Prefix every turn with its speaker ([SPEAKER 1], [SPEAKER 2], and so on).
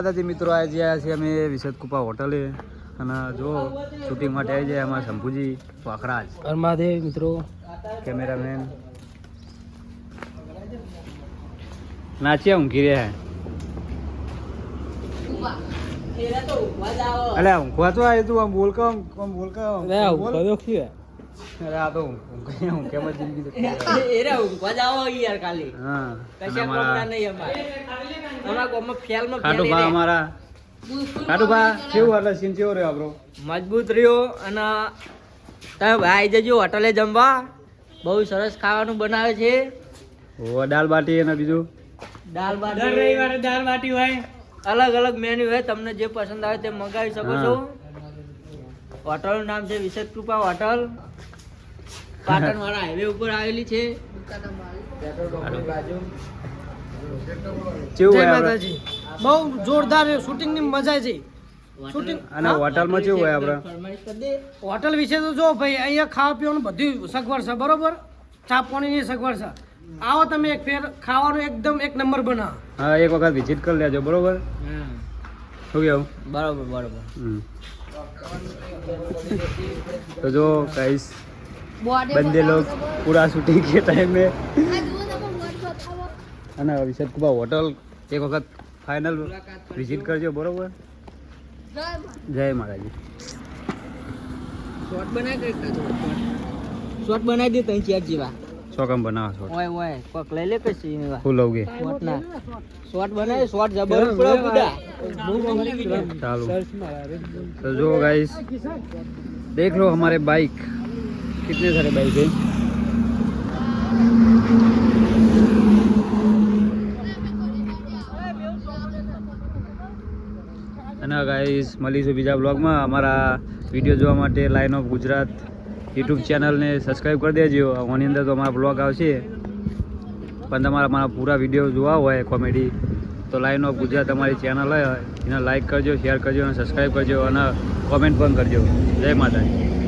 [SPEAKER 1] દાદાજી મિત્રો આજે આવ્યા છીએ અમે વિશેષ કૃપા હોટલે અને જો શૂટિંગ માટે આવી જાય અમારા શંભુજી વાખરાજ
[SPEAKER 2] મહાદેવ મિત્રો
[SPEAKER 1] કેમેરામેન નાચ્યા ઊંઘી રહ્યા અલે ઊંઘવા તો આવ્યું તું આમ બોલ કે અરે આ તો હું કેમ જ જિંદગી
[SPEAKER 2] એરા ઊંઘવા જાવ યાર ખાલી
[SPEAKER 1] હા
[SPEAKER 2] કશા કોમડા નહીં અમારા ગામમાં ફેલમાં
[SPEAKER 1] ખાટુ ભા અમારા ખાટુ ભા કેવું એટલે સીન કેવો રહ્યો આપણો
[SPEAKER 2] મજબૂત રહ્યો અને તમે ભાઈ જજો હોટલે જમવા બહુ સરસ ખાવાનું બનાવે છે
[SPEAKER 1] ઓ દાલ બાટી અને બીજું
[SPEAKER 2] દાલ બાટી દર રવિવારે દાલ બાટી હોય અલગ અલગ મેન્યુ હોય તમને જે પસંદ આવે તે મંગાવી શકો છો હોટલનું નામ છે વિશેષ કૃપા હોટલ પાટણ વાળા હાઈવે ઉપર આવેલી છે બહુ જોરદાર શૂટિંગ ની મજા છે શૂટિંગ
[SPEAKER 1] અને હોટલમાં કેવું હોય આપણે
[SPEAKER 2] હોટલ વિશે તો જો ભાઈ અહીંયા ખાવા પીવાનું બધી સગવડ છે બરોબર ચા પાણીની સગવડ છે આવો તમે એક ફેર ખાવાનું એકદમ એક નંબર બનાવો
[SPEAKER 1] હા એક વખત વિઝિટ કરી લેજો બરોબર શું કેવું
[SPEAKER 2] બરોબર બરોબર
[SPEAKER 1] तो जो गाइस बंदे लोग पूरा शूटिंग के टाइम में है ना विशेष कुबा होटल एक वक्त फाइनल विजिट करजो बरोबर जय माताजी
[SPEAKER 2] શોર્ટ બનાવી દે તઈ ચેટ જેવા
[SPEAKER 1] શોકમ બનાવો શોટ
[SPEAKER 2] ઓય ઓય કોક લઈ લે કશી
[SPEAKER 1] ફૂલ લોગે
[SPEAKER 2] શોર્ટ ના શોર્ટ બનાવે શોર્ટ જબર પડે બુડા
[SPEAKER 1] ચાલો तो जो गाइस देख लो हमारे बाइक कितने सारे बाइक है અને ગાઈસ મળીશું બીજા બ્લોગમાં અમારા વિડીયો જોવા માટે લાઇન ઓફ ગુજરાત યુટ્યુબ ચેનલને સબસ્ક્રાઈબ કરી દેજો આની અંદર તો અમારા બ્લોગ આવશે પણ તમારા મારા પૂરા વિડીયો જોવા હોય કોમેડી તો લાઇન ઓફ ગુજરાત અમારી ચેનલ હોય એને લાઇક કરજો શેર કરજો અને સબસ્ક્રાઈબ કરજો અને કોમેન્ટ પણ કરજો જય માતાજી